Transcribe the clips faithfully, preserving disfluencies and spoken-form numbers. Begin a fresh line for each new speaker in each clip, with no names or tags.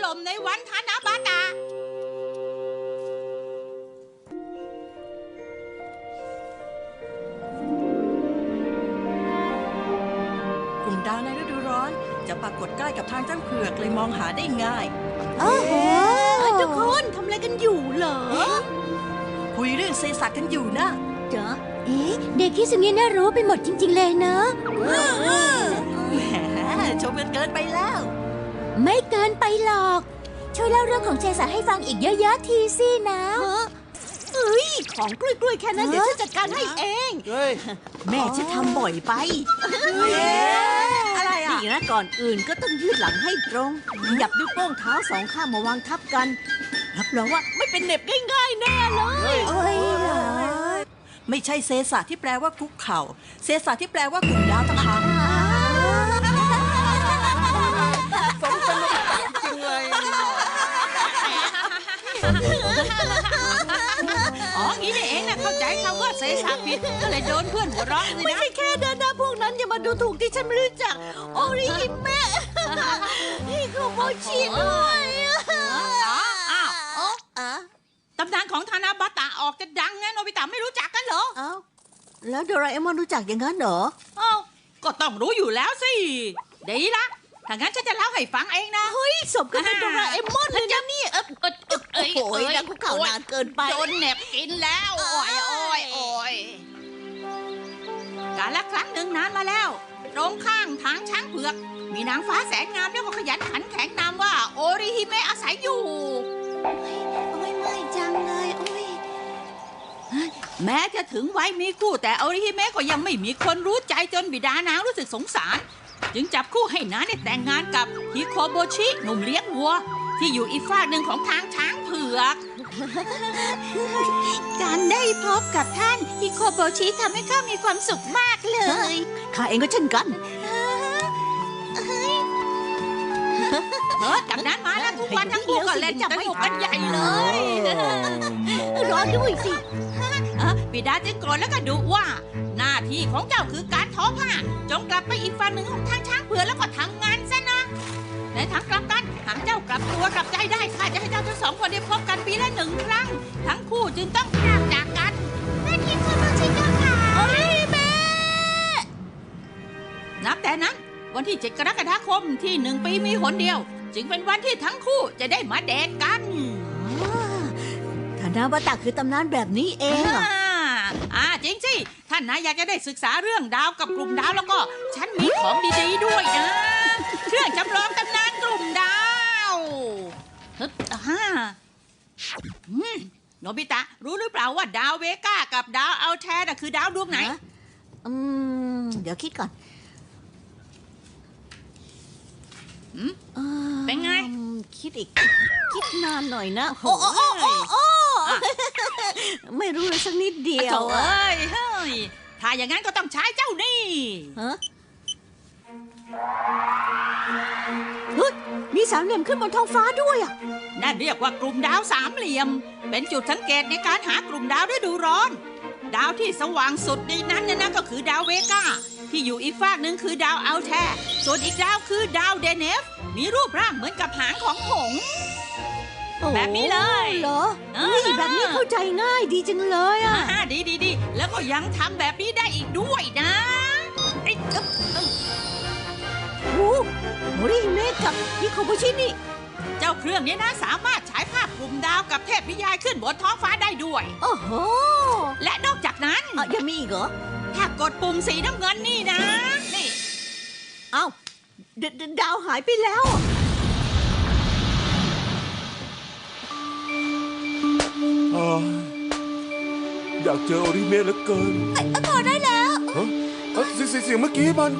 ล่มในวันทานาบาตะ
กลุ่มดาวในฤดูร้อนจะปรากฏใกล้กับทางจ้างเผือกเลยมองหาได้ง่าย
โอ้โหทุกคนทำอะไรกันอยู่เหรอ
คุยเรื่องเซซักกันอยู่นะ
จ๊ะเอ๊ะเด็กที่สุนี้น่ารู้ไปหมดจริงๆเลยนะ
แหมชมกันเกินไปแล้ว
ไม่เกินไปหรอกช่วยเล่าเรื่องของเซซักให้ฟังอีกเยอะๆทีสินะเฮ้ยของกล้วยๆแค่นั้นเดี๋ยวฉันจัดการให้เองแม่จะทำบ่อยไป
อะไรอ่ะ
นี่นะก่อนอื่นก็ต้องยืดหลังให้ตรงหยับนิ้วโป้งเท้าสองข้างมาวางทับกันรับรองว่าไม่เป็นเหน็บง่ายๆแน่เลยโอ้ยเหรอ
ไม่ใช่เซซักที่แปลว่าคุกเข่าเซซักที่แปลว่ากลุ่มดาวต่างหาก
สนุกจริงเลย
อ๋องี้นี่เองนะเข้าใจคำว่าเซซักผิดก็เลยโดนเพื่อนหัวเราะสินะ
ไม่ใช่แค่นั้นนะพวกนั้นอย่ามาดูถูกที่ฉันไม่รู้จักโอริฮิเมะฮิโคโมชิด้วย
อ้าวตำนานของทานาบาตะออกจะดังไงโนบิตะไม่รู้จักกันเหรอ
อ้าวแล้วโดราเอมอนรู้จักอย่างนั้นเหรอ
อ้าวก็ต้องรู้อยู่แล้วสิดีละถ้างั้นฉันจะเล่าให้ฟังเองนะ
เฮ้ยสมกับเป็นโดราเอมอนเลยนะนี่เออเออเออโอ้โหนั่งคุกเข่านานเกินไป
โดนแหนบกินแล้วโอ้ยโอ้ยโอ้ยกาลละครั้งหนึ่งนานมาแล้วตรงข้างทางช้างเผือกมีนางฟ้าแสนงามแล้วก็ขยันขันแข็งนามว่าโอริฮิเมะอาศัยอยู่
โอ้ยไม่จังเลยโอ้ย
แม้จะถึงวัยมีคู่แต่โอริฮิเมะก็ยังไม่มีคนรู้ใจจนบิดานางรู้สึกสงสารจึงจับคู่ให้น้าได้แต่งงานกับฮิโคโบชิหนุ่มเลี้ยงวัวที่อยู่อีกฝากหนึ่งของทางช้างเผือก
การได้พบกับท่านฮิโคโบชิทำให้ข้ามีความสุขมากเลยข้าเองก็เช่นกัน
เฮ้ยจากนั้นมาแล้วทุกวันทั้งคู่ก็เล่นสนุกกันใหญ่เลย
รอด้วยสิ
บิดาจึงโกรธแล้วก็ดุว่าหน้าที่ของเจ้าคือการทอผ้าจงกลับไปอีกฝั่งหนึ่งของทางช้างเผือกแล้วก็ทำงานซะนะในทางกลับกันหากเจ้ากลับตัวกลับใจได้ข้าจะให้เจ้าทั้งสองคนได้พบกันปีละหนึ่งครั้งทั้งคู่จึงต้องพรากจากกัน
นั่นที่คุณรู้ชิค่ะโอ้ยแม่
นับแต่นั้นวันที่เจ็ดกรกฎาคมที่หนึ่งปีมีหนเดียวจึงเป็นวันที่ทั้งคู่จะได้มาเดทกัน
ทานาบาตะคือตำนานแบบนี้เองอ่ะ
อ่าจริงสิท่านนายอยากจะได้ศึกษาเรื่องดาวกับกลุ่มดาวแล้วก็ฉันมีของดีๆด้วยนะเครื่องจำลองตำนานกลุ่มดาวฮึบอ่าโนบิตะรู้หรือเปล่าว่าดาวเวก้ากับดาวอัลแทร์น่ะคือดาวดวงไหน
อืมเดี๋ยวคิดก่อน
เป็นไง
คิดอีกคิดนานหน่อยนะโอ้โอ้โอ้โอ้ไม่รู้เลยสักนิดเดียว
เอ้ยเฮ้ยถ้าอย่างนั้นก็ต้องใช้เจ้านี่
ฮะเฮ้ยมีสามเหลี่ยมขึ้นบนท้องฟ้าด้วยอ่ะ
นั่นเรียกว่ากลุ่มดาวสามเหลี่ยมเป็นจุดสังเกตในการหากลุ่มดาวฤดูร้อนดาวที่สว่างสุดในนั้นเนี่ยนะก็คือดาวเวก้าที่อยู่อีกฝากหนึ่งคือดาวอัลแทร์ส่วนอีกดาวคือดาวเดเนฟมีรูปร่างเหมือนกับหางของหงส์แบบนี้เลย
เหรอนี่แบบนี้เข้าใจง่ายดีจังเลยอ่ะ
ดีดีดีแล้วก็ยังทำแบบนี้ได้อีกด้วยนะไอ้
โอ้โหริเมะกับฮิโคโบชินี่
เจ้าเครื่องนี้นะสามารถฉายภาพกลุ่มดาวกับเทพนิยายขึ้นบนท้องฟ้าได้ด้วย
โอ้โห
และนอกจากนั้น
ยังมีอีกเหรอ
ถ้ากดปุ่มสีน้ำเงินนี่นะนี่
เอ้าดาวหายไปแล้ว
อยากเจอโอริเมะเหลือเกิน
พอได้แล้ว
ฮะเสียงเสียงเมื่อกี้มัน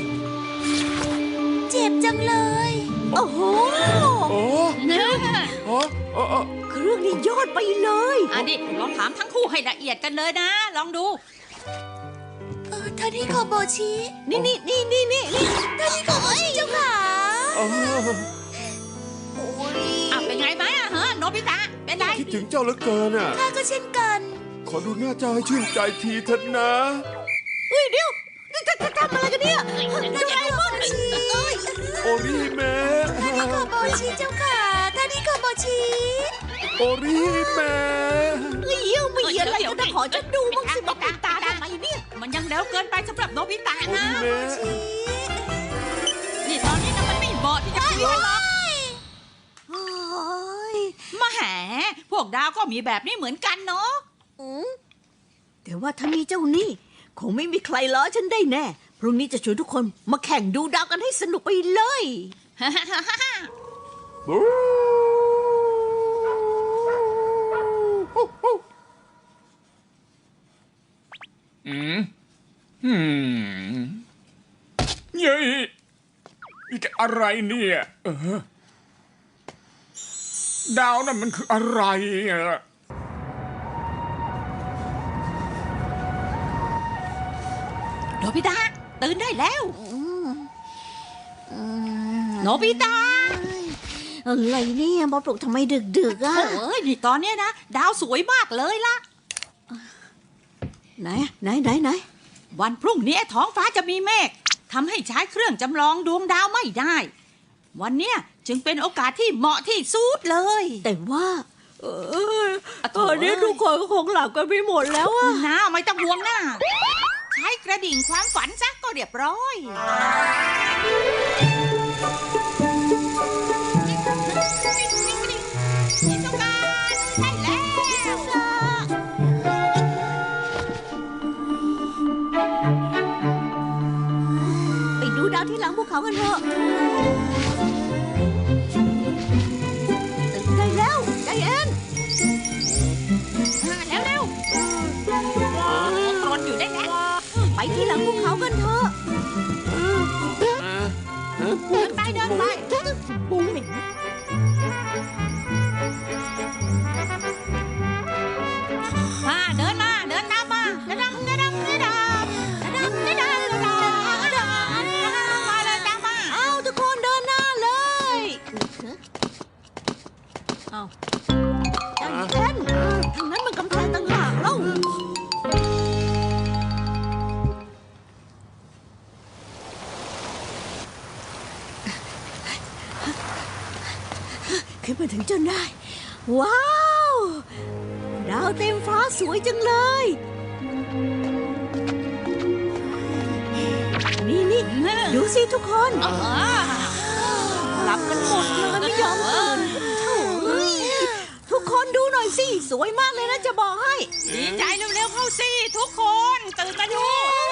เจ็บจังเลยโอ้โห
โอ้โอ้
เครื่องนี้ยอดไปเลย
อันนี้ลองถามทั้งคู่ให้ละเอียดกันเลยนะลองดู
เออท่านฮิโคโบชินี่นี่นี่นี่นี่ท่านฮิโคโบชิเจ้าค่ะโอ้
ยอ่ะเป็นไงไหมอ่ะฮะโนบิตะเป็นไร
คิดถึงเจ้าเหลือเกินอ่ะ
ข้าก็เช่นกัน
ขอดูหน้าเจ้าให้ชื่นใจทีเถอะนะ
เฮ้ยเดี๋ยวจะจะทำอะไรกันเนี่ยโดราเอมอนชี
โอริเมะ
ท่านฮิโคโบชิเจ้าค่ะชิ
โอริแม่
เอ้ยไม่เหี้ยอะไรก็ต้องขอฉันดูบ้างสิมาปิดตาทำไมเนี่ย
มันยังเร็วเกินไปสำหรับโนบิตะ
โอ
นะ
ริแม่
นี่ตอนนี้นะมันไม่เหมาะที่จะคุยกันหรอก
โอ้ย
มาแหมพวกดาวก็มีแบบนี้เหมือนกันเนาะ
อืมแต่ว่าถ้ามีเจ้านี่คงไม่มีใครล้อฉันได้แน่ พรุ่งนี้จะชวนทุกคนมาแข่งดูดาวกันให้สนุกไปเลย
บู๊
อืมอืมเย้ยนี่แกอะไรเนี่ยเออดาวนั่นมันคืออะไรอะ
โนบิตะตื่นได้แล้วโนบิตะ
อะไรเนี่ยมาปลุกทำไมดึกๆอ่ะ
โอ้ยนี่ตอนเนี้ยนะ ดาวสวยมากเลยล่ะ
ไหนไหนไหนไหน
วันพรุ่งนี้ท้องฟ้าจะมีเมฆทำให้ใช้เครื่องจำลองดวงดาวไม่ได้ วันเนี้ยจึงเป็นโอกาสที่เหมาะที่สุดเลย
แต่ว่า เออ
อะโถ
ตอนนี้ทุกคนก็คงหลับกันไปหมดแล้วอ่ะ
นะไม่ต้องห่วงนะใช้กระดิ่งความฝันซะก็เรียบร้อยชิซุกะใช่แล้ว
ไปดูดาวที่หลังภูเขากันเถอะตื่นได้แล้วใจเย็น
มาแล้วเร็วกรนอยู่ได้แล้ว
ไปที่หลังภูเขากันเถอะ
อ่าฮะ
เดินไปเดินไป
ปูเหม็น
มาเดินมาเดินตามมากระดำกระดำกระดำกระดำกระดำกระดำกระดำมาเลยตามมา
เอาทุกคนเดินหน้าเลยเอาใจเย็นทางนั้นมันกำแพงต่างหากเล่าขึ้นมาถึงจนได้ ว้าว ดาวเต็มฟ้าสวยจังเลย นี่นี่ดูสิทุกคน
อ๋อ
หลับกันหมดเลยไม่ยอมตื่นโถ่เอ้ยทุกคนดูหน่อยสิ สวยมากเลยนะจะบอกให้
ดีใจเร็วๆเข้าสิทุกคนตื่นมาดู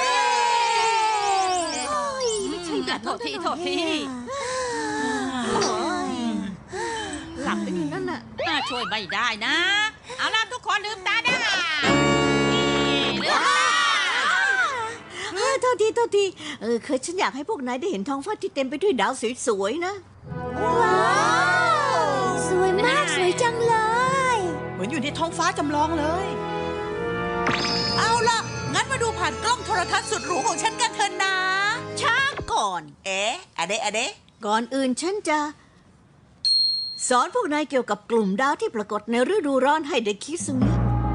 โอ้ยไม่ใช่แบบ
โทษทีโทษที
โอ้ยหลับไปอยู่นั่นน่ะ
น่าช่วยไม่ได้นะ เอาล่ะทุกคนลืมตาได้นี่ลืมตา
เออโทษทีโทษทีเออเคยฉันอยากให้พวกนายได้เห็นท้องฟ้าที่เต็มไปด้วยดาวสวยๆนะ ว้าว สวยมากสวยจังเลย
เหมือนอยู่ในท้องฟ้าจำลองเลย เอาล่ะ งั้นมาดูผ่านกล้องโทรทัศน์สุดหรูของฉันกันเถอะนะ
ช้าก่อน
เอ๊ะอะเดะอะเดะ
ก่อนอื่นฉันจะ สอนพวกนายเกี่ยวกับกลุ่มดาวที่ปรากฏในฤดูร้อนให้ได้คิดสึง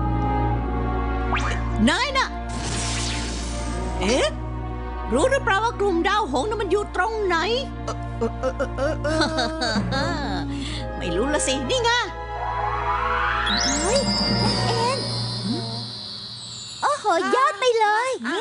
นายน่ะ เอ๊ะ รู้หรือเปล่าว่ากลุ่มดาวหงส์นั้นมันอยู่ตรงไหน ไม่รู้ละสิ นี่ไงเฮ้ยเอ็นโอ้โห ยอดไปเลย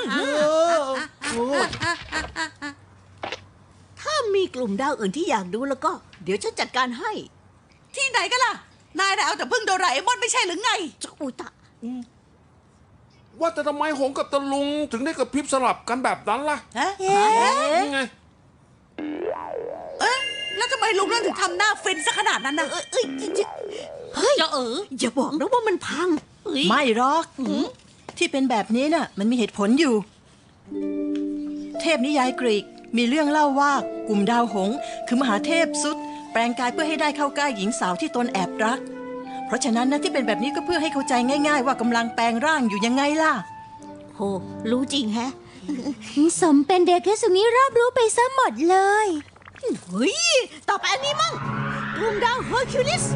ถ้ามีกลุ่มดาวอื่นที่อยากดูแล้วก็ เดี๋ยวฉันจัดการให้
ที่ไหนกันล่ะ นายน่ะเอาแต่พึ่งโดราเอมอนไม่ใช่หรือไง
จะอุยตะ
ว่าแต่ทำไมหงกับตะลุงถึงได้กระพริบสลับกันแบบนั้นล่ะ
ฮะ
นี่ไง
เอ๊ะ แล้วทำไมลุงนั่นถึงทำหน้าฟินซะขนาดนั้นนะ
เอ้ยเอ้ยเฮ้ย
จะเออ
อย่าบอกนะว่ามันพัง
ไม่หรอกที่เป็นแบบนี้น่ะ มันมีเหตุผลอยู่ เทพนิยายกรีกมีเรื่องเล่าว่ากลุ่มดาวหงส์คือมหาเทพซุดแปลงกายเพื่อให้ได้เข้าใกล้หญิงสาวที่ตนแอบรัก เพราะฉะนั้นนะที่เป็นแบบนี้ก็เพื่อให้เข้าใจง่ายๆว่ากำลังแปลงร่างอยู่ยังไงล่ะ
โห รู้จริงแฮะ
สมเป็นเด็กแค่สุนี้รอบรู้ไปซะหมดเลย
เฮ้ย ต่อไปอันนี้มั่งกลุ่มดาวเฮอร์คิวลิส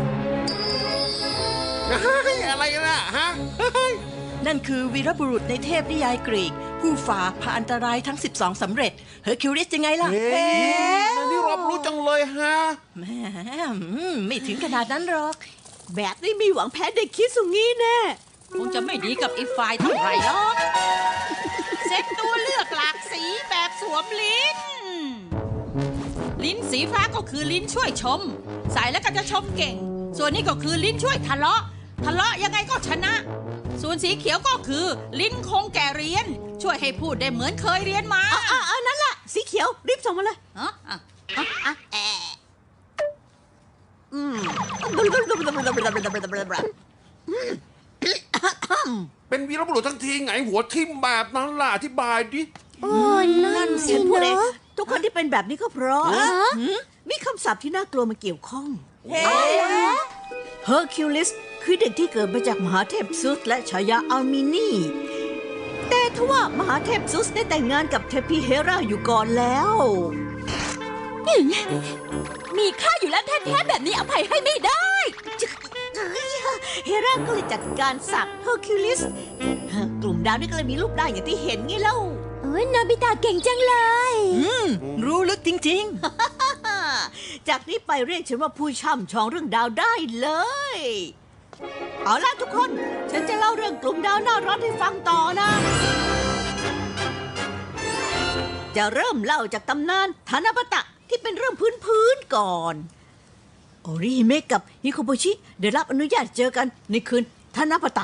อะไรนะฮะ
นั่นคือวีรบุรุษในเทพนิยายกรีก ผู้ฝ่าพาอันตรายทั้งสิบสองสำเร็จเฮอร์คิวลิสยังไงล่ะ
เฮ้ยนี่รอผรู้จังเลยฮะ
แหมอืมไม่ถึงขนาดนั้นหรอก
แบบนี้มีหวังแพ้เด็กคิดสุงี้แน่
คงจะไม่ดีกับอีกฝ่ายเท่าไหร่หรอกเซ็ตตัวเลือกหลากสีแบบสวมลิ้น ลิ้นสีฟ้าก็คือลิ้นช่วยชม ใส่แล้วก็จะชมเก่ง ส่วนนี้ก็คือลิ้นช่วยทะเลาะ ทะเลาะยังไงก็ชนะ ส่วนสีเขียวก็คือลิ้นคงแก่เรียน ช่วยให้พูดได้เหมือนเคยเรียนมา
อ่ะอ่ะนั่นล่ะ สีเขียวรีบส่งมาเลย
ฮะอ่ะ
อ่ะอ่ะแอะอืม
เป็นวีรบุรุษทั้งทีไงหัวทิ่มแบบนั้นล่ะอธิบายดิ
โอ้นั่นสิ
ฉันพูดเอง
เนาะ
ทุกคนที่เป็นแบบนี้ก็เพราะ
ฮะ
มีคำศัพท์ที่น่ากลัวมาเกี่ยวข้อง เฮอร์คิวลิสคือเด็กที่เกิดมาจากมหาเทพซุสและฉายาอัลมินีแต่ทว่ามหาเทพซุสได้แต่งงานกับเทพีเฮราอยู่ก่อนแล้ว
มีค่าอยู่แล้วแท้ๆแบบนี้อภัยให้ไม่ได้
เฮราก็เลยจัดการสักเฮอร์คิวลิสกลุ่มดาวนี่ก็เลยมีรูปได้อย่างที่เห็นไงเล่า
โอ้ยโนบิตะเก่งจังเลย
อืม รู้ลึกจริง
จากนี้ไปเรียกฉันว่าผู้ช่ำชองเรื่องดาวได้เลย เอาล่ะทุกคน ฉันจะเล่าเรื่องกลุ่มดาวน่าร้อนให้ฟังต่อนะ จะเริ่มเล่าจากตำนานธนปตะที่เป็นเรื่องพื้นๆก่อน โอริฮิเมะกับฮิโคโบชิได้รับอนุญาตเจอกันในคืนธนปตะ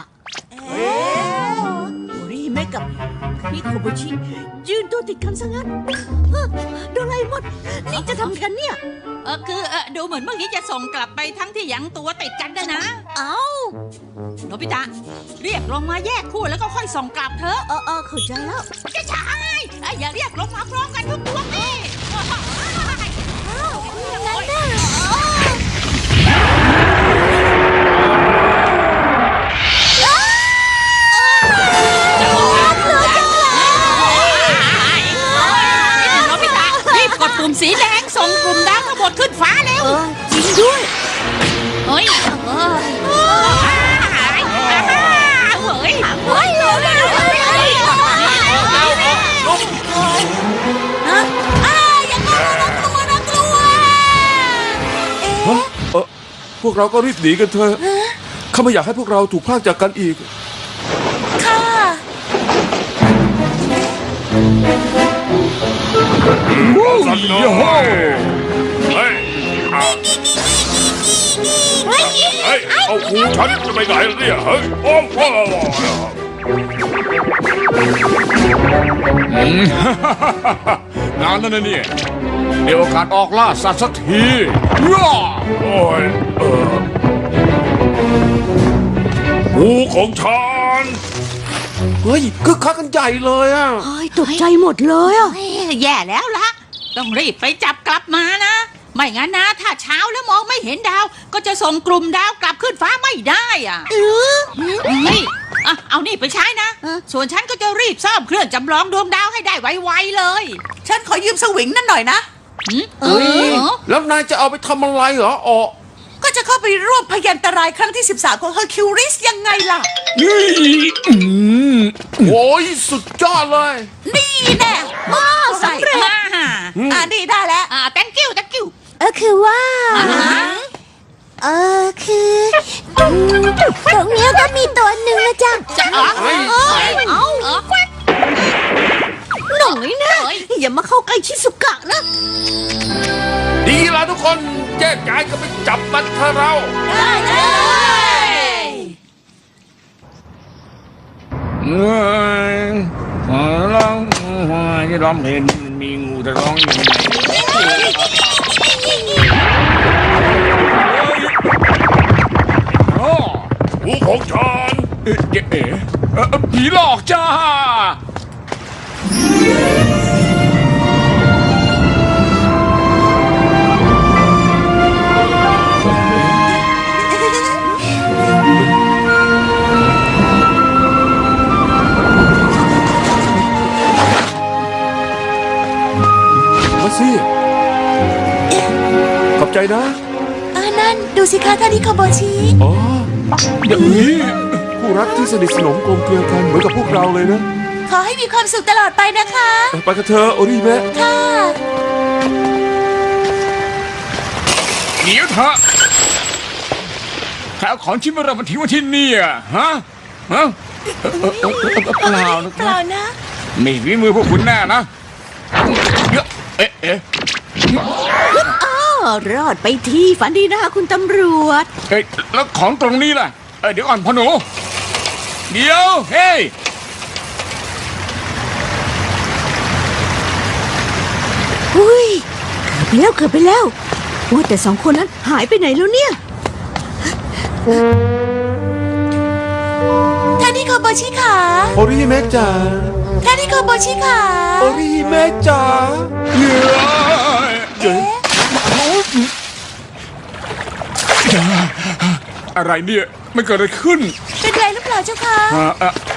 โอริฮิเมะกับฮิโคโบชิยืนตัวติดกันซะงั้นฮะโดราเอมอนนี่จะทำกันเนี่ย
เออคือเออดูเหมือนเมื่อกี้จะส่งกลับไปทั้งที่ยังตัวติดกันนะนะ
เอ้า
โนบิตะเรียกลงมาแยกคู่แล้วก็ค่อยส่งกลับเถอะ
เออเออเข้าใจแล้ว
จะใช่ไอ้อย่าเรียกลงมาพร้อมกันทุกตัวนี่
งั้นน่ะ
โนบิตะรีบกดปุ่มสีแดงส่งกลุ่มดาวทั้งหมดขึ้นฟ้าเร็ว
เออจริงด้วย
เฮ้ยเฮ้ยเฮ้ยเฮ้ยเร็วเร็วเร็ว
ฮะเออพวกเราก็รีบหนีกันเถอะข้าไม่อยากให้พวกเราถูกพรากจากกันอีก
ค่ะ
สันโนเฮ้ยเฮ้ยเอาหูฉันจะไปไหนล่ะเนี่ยเฮ้ยโอ้โห
งานนั่นนะเนี่ยเดี๋ยวโอกาสออกล่าสัตว์สักทีย่า
โอ้ยเออหูของฉันเฮ้ยคึกคักกันใหญ่เลยอ่ะ
เฮ้ยตกใจหมดเลยอ่ะ
เฮ้ยแย่แล้วล่ะ ต้องรีบไปจับกลับมานะ ไม่งั้นนะ ถ้าเช้าแล้วมองไม่เห็นดาว ก็จะส่งกลุ่มดาวกลับขึ้นฟ้าไม่ได้อ่ะนี่อ่ะเอานี่ไปใช้นะ ส่วนฉันก็จะรีบซ่อมเครื่องจำลองดวงดาวให้ได้ไวๆเลย
ฉันขอยืมสวิงนั่นหน่อยนะ
หืมเออ
แล้วนายจะเอาไปทำอะไรเหรออ๋อ
ก็จะเข้าไปร่วมพยันตรายครั้งที่สิบสามของเฮอร์คิวริสยังไงล่ะ
นี่อืม
โอ้ยสุดยอดเลย
นี่แน่มาสำเร็จ
มา
อ่านี่ได้แล้ว
อ่า thank you thank you
เออคือว่า เออคืออืมตรงเนี้ยก็มีตัวหนึ่งนะจ๊ะ
จะอ๋อ
เฮ้ย
เอาเออแควก
หน่อยนะ อย่ามาเข้าใกล้ชิสุกะนะ
ดีละทุกคนแยกย้ายกันไปจับมันเถอะเรา
ได้เลย
เอ้ยขอร้องที่ร้องเพลงมันมีงูจะร้องยังไงโอ้
หูของฉัน
เอ๊ะเอ๊ะเอ๊ะเอ่อผีหลอกจ้า
มาสิขอบใจนะ
อ่านั่นดูสิคะท่านนิโคโบชิ
อ๋ออย่างนี้คู่รักที่สนิทสนมกลมเกลียวกันเหมือนกับพวกเราเลยนะ
ขอให้มีความสุขตลอดไปนะคะ
ไปกันเถอะโอริเมะ
ค่ะ
ฮะใครเอาของชิ้นเบอร์มาทิ้งไว้ที่นี่อะฮะฮะเออเออเออเออเปล่านะ
เปล่านะ
ไม่ฝีมือพวกคุณแน่นะเยอะเอ๊ะเอ๊ะ
อ้อรอดไปที่ฝันดีนะคะคุณตำรวจ
เอ้ยแล้วของตรงนี้ล่ะเอ้ยเดี๋ยวก่อนพ่อหนูเดี๋ยวเฮ้ย
อุ้ยเกือบไปแล้วเกือบไปแล้วว่าแต่สองคนนั้นหายไปไหนแล้วเนี่ย
ท่านนิโคโบชิขา
โอริฮิเมะจ๋า
ท่านนิโคโบชิขา
โอริฮิเมะจ๋า
เหนื่อย
เดี๋ยว
อะไรเนี่ยมันเกิดอะไรขึ้น
เป็นไรหรือเปล่าเจ้าคะ
อ่าอ่ะอ่ะ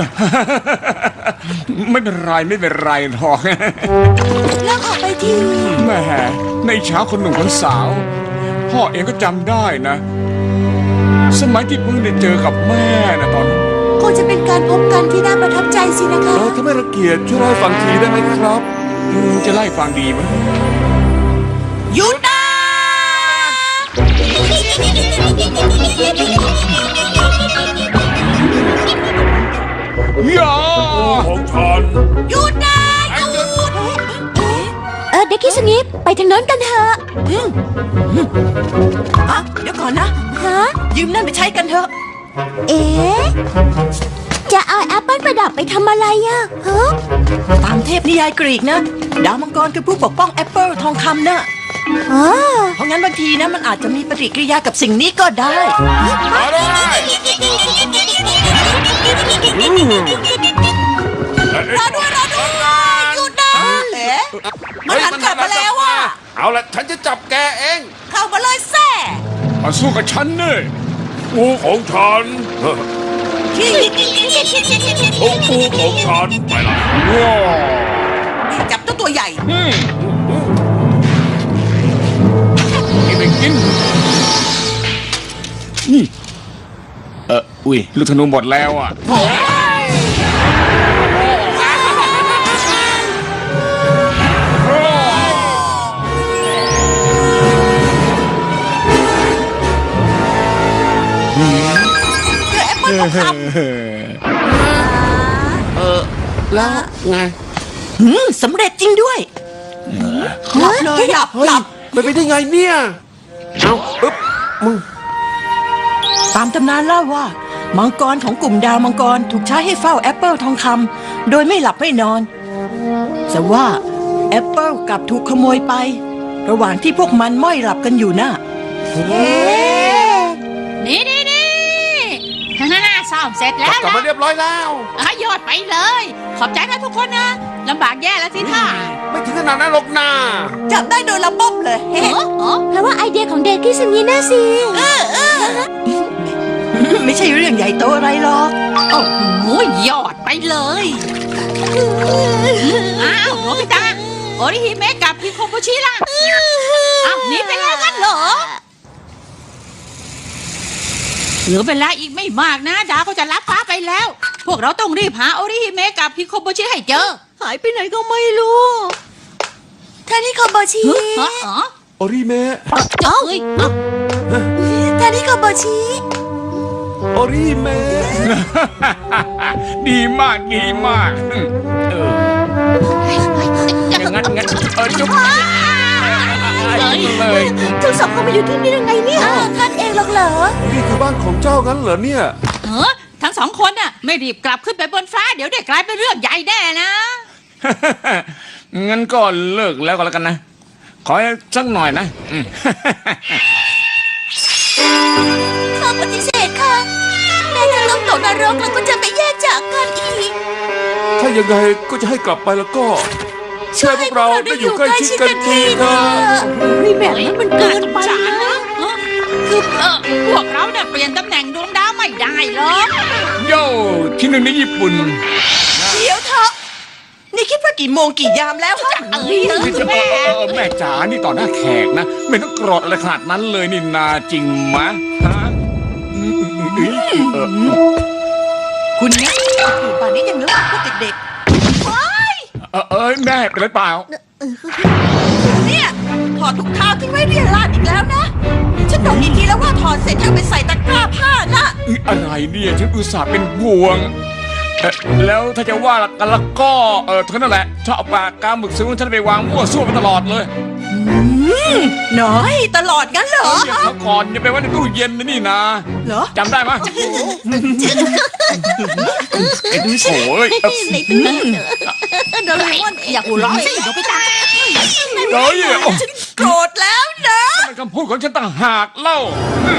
ไม่เป็นไรไม่เป็นไรหรอก
เลิกออกไปที
แหม่ในเช้าคนหนุ่มคนสาว พ่อเองก็จำได้นะ สมัยที่เพิ่งได้เจอกับแม่นะตอนนั้น
คงจะเป็นการพบกันที่น่าประทับใจสินะคะ
เออถ้าไม่รังเกียจช่วยเล่าให้ฟังทีได้ไหมครับ
อืมจะไล่ฟังดีไหม
หยุดนะ
อย่า
ของฉัน
หยุดนะหยุด
เออเด็กคิสงิปไปทางโน้นกันเถอะ
อ่ะเดี๋ยวก่อนนะ
ฮะ
ยืมนั่นไปใช้กันเถอะ
เอ๊ะจะเอาแอปเปิลประดับไปทำอะไรอะฮะ
ตามเทพนิยายกรีกนะ ดาวมังกรคือผู้ปกป้องแอปเปิลทองคำนะ
อ๋อ
เพราะงั้นบางทีนะมันอาจจะมีปฏิกิริยากับสิ่งนี้ก็ได้
มาเลย
รอด้วยรอด้วยหยุดนะเอ๊ะมันหันกลับมาแล้วอ่ะ
เอาละฉันจะจับแกเอง
เข้ามาเลยแซ่
มาสู้กับฉันเนี่ย
ปูของฉันโอ้ปูของฉันไปละ
ว้าว
จับเจ้าตัวใหญ่
อืมกินไปกินนี่เอออุ้ยลูกธนูหมดแล้วอ่ะ
เออแล้วไง
หืมสำเร็จจริงด้วยหลับเลยหลับ
เฮ้ย
หลับ
ไปไปได้ไงเนี่ยเอาอึ๊บมึง
ตามตำนานเล่าว่า มังกรของกลุ่มดาวมังกรถูกใช้ให้เฝ้าแอปเปิลทองคำโดยไม่หลับไม่นอน แต่ว่าแอปเปิลกลับถูกขโมยไป ระหว่างที่พวกมันม้อยหลับกันอยู่น่ะ
นี่นี่นี่ฮ่าฮ่าซ่อมเสร็จแล้ว
กลับมา
นะ
เรียบร้อยแล้ว
อ่ะยอดไปเลย ขอบใจนะทุกคนนะลำบากแย่แล้วสิท่า
ไม่ถึงขนาดนั้นหรอกนา
จับได้โดยระบบเลย
เออเออ
เพราะว่าไอเดียของเด็กคิสงิน่ะสิ
ไม่ใช่เรื่องใหญ่โตอะไรหรอก
โอ้โหยอดไปเลยอ้าวโนบิตะโอริฮิเมะกับพิโคโบชิล่ะอ้าวหนีไปแล้วกันเหรอเหลือเวลาอีกไม่มากนะดาวก็จะลับฟ้าไปแล้ว พวกเราต้องรีบหาโอริฮิเมะกับพิโคโบชิให้เจอ
หายไปไหนก็ไม่รู้
ท่านนิโคโบชิ
ฮะฮะ
โอริเมะ
เจ้าเอ้ยเอ้า
ท่านนิโคโบชิ
โอริเมะ
ดีมากดีมากอืมเอออย่างนั้นงั้นเออจุ๊บเลย
ทั้งสองคนมาอยู่ที่นี่ยังไงเนี่ย
อ้าวท่านเองหรอกเหรอ
นี่คือบ้านของเจ้างั้นเหรอเนี่ย
เออทั้งสองคนน่ะไม่รีบกลับขึ้นไปบนฟ้าเดี๋ยวได้กลายเป็นเรื่องใหญ่แน่นะ
งั้นก็เลิกแล้วก็แล้วกันนะ ขอสักหน่อยนะอืม
ข้าปฏิเสธค่ะแม่จะต้องตกนรกแล้วก็จะไม่แยกจากกันอีก
ถ้ายังไงก็จะให้กลับไปแล้วก็ช่วยพวกเราได้อยู่ใกล้ชิดกันทีเถอะ
เฮ้ยแบบนั้นมันเกินไป
สาร
นะ
นะเออคือเออพวกเราเนี่ยเปลี่ยนตำแหน่งดวงดาวไม่ได้หรอก
โย่ที่หนึ่งในญี่ปุ่น
เดี๋ยวเถอะนี่คิดว่ากี่โมงกี่ยามแล้วฮะ
เอ้ยเออ
เอ
แม่
อเออแม่จ๋านี่ต่อหน้าแขกนะ ไม่ต้องโกรธอะไรขนาดนั้นเลยนี่นาจริงมะฮะอืมอืมอืมเออ
คุณเนี่ยอยู่ป่านนี้ยังนึกว่าพวกเด็ก
เออเออแม่เป็นไรเปล่า
เนี่ยพออดถุงเท้าทิ้งไว้เรียราดอีกแล้วนะ ฉันบอกอีกทีแล้วว่าถอดเสร็จจะเอาไปใส่ตะกร้าผ้านะ
อุ๊ยอะไรเนี่ยฉันอุตส่าห์เป็นห่วงเอ่อแล้วถ้าจะว่ากันแล้วก็เออเท่านั้นแหละชอบเอาปากกาหมึกซื้อของฉันไปวางมั่วซั่วไปตลอดเลย
น้อย
ตลอดงั้นเหรอ
เดี๋ยวเขาก่อนอย่าไปไว้ในตู้เย็นนะนี่นะ
เหรอ
จำได้ไหมโอ้ยเอ่อ
ในตู้โดเรมอนอยากหัวเราะสิโดไปตา
เฮ้ยโอ้
โกรธแล้วนะ
มันคำพูดของฉันต่างหากเล่า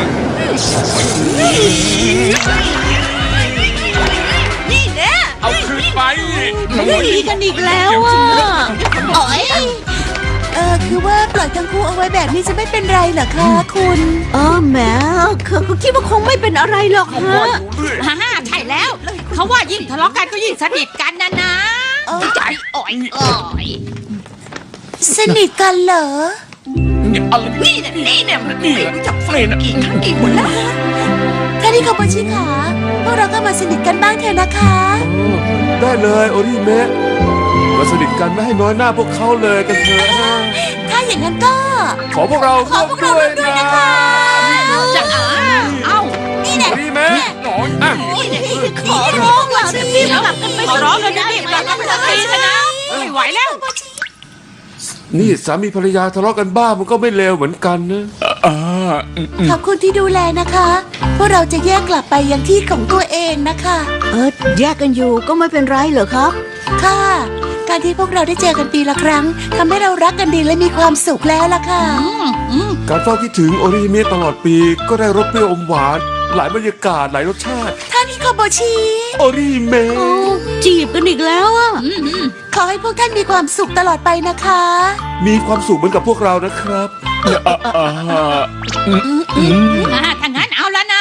นี่แน่
เอาคืนไป
ดีกันอีกแล้วอ่ะ
โอ้ย
เออคือว่าปล่อยทั้งคู่เอาไว้แบบนี้จะไม่เป็นไรเหรอคะคุณ
เออแหมเขาก็คิดว่าคงไม่เป็นอะไรหรอกฮะ
ฮ่าฮ่าใช่แล้ว เขาว่ายิ่งทะเลาะกันก็ยิ่งสนิทกันนะนะ
เออ
ใจอ่อยอ่อย
สนิทกันเหรอ
เนี่ยอะไร
นี่เนี่ยนี่เนี่ยนี่รู้จัก
เฟรนอะ
กี่ทั้งกี่คนแล้ว
ท่านี่คาโบชิขาพวกเราก็มาสนิทกันบ้างเถอะนะคะ
ได้เลยโอริเมะมาสนิทกันไม่ให้น้อยหน้าพวกเขาเลยกันเถอะ
ถ้าอย่างนั้นก็
ขอพวกเราร่วมด้วยนะ
จะอ่าเอ้า
นี่แหละ
โอริเมะหน่อยอ่ะ
ขอร้องล่ะรีบกลับกันไปขอร้องกันรีบกลับกันไปสักทีเถอะนะไม่ไหวแล้ว
นี่สามีภรรยาทะเลาะกันบ้างมันก็ไม่เลวเหมือนกันนะ
อ่าอืมอืม
ขอบคุณที่ดูแลนะคะ พวกเราจะแยกกลับไปยังที่ของตัวเองนะคะ
เออแยกกันอยู่ก็ไม่เป็นไรเหรอครับ
ค่ะ การที่พวกเราได้เจอกันปีละครั้งทำให้เรารักกันดีและมีความสุขแล้วล่ะค่ะ
การเฝ้าคิดถึงโอริเมะตลอดปีก็ได้รสเปรี้ยวอมหวาน หลายบรรยากาศหลายรสชาติ
ท่านี่คาโบชิ
โอริเมะ
โอ้จีบกันอีกแล้วอ่ะ
ขอให้พวกท่านมีความสุขตลอดไปนะคะ
มีความสุขเหมือนกับพวกเรานะครับ
อ่าอ่าอืมอืม
อ่าถ้างั้นเอาแล้วนะ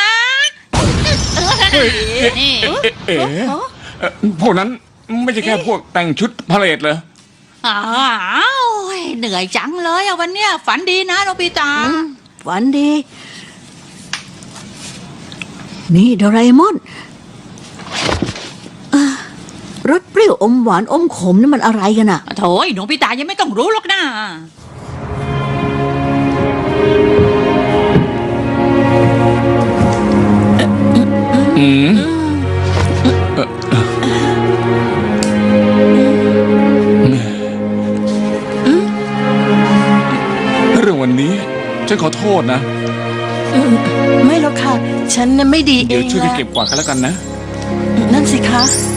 นี่
เอ๊ะเอ๊ะเอ่อพวกนั้นไม่ใช่แค่พวกแต่งชุดพาเหรดเลย
อ้าวเหนื่อยจังเลยอะวันเนี้ยฝันดีนะโนบิตะ
ฝันดี นี่โดราเอมอนอ่ะรสเปรี้ยวอมหวานอมขมนี่มันอะไรกันอ่ะ
โถยโนบิตะยังไม่ต้องรู้หรอกนะ
อืมเรื่องวันนี้ ฉันขอโทษนะ
ไม่หรอกค่ะ ฉันน่ะไม่ดีเอ
เดี๋ยว
ง
ช่วยกัน
ละ
เก็บกวาดกันแล้วกันนะ
นั่นสิคะ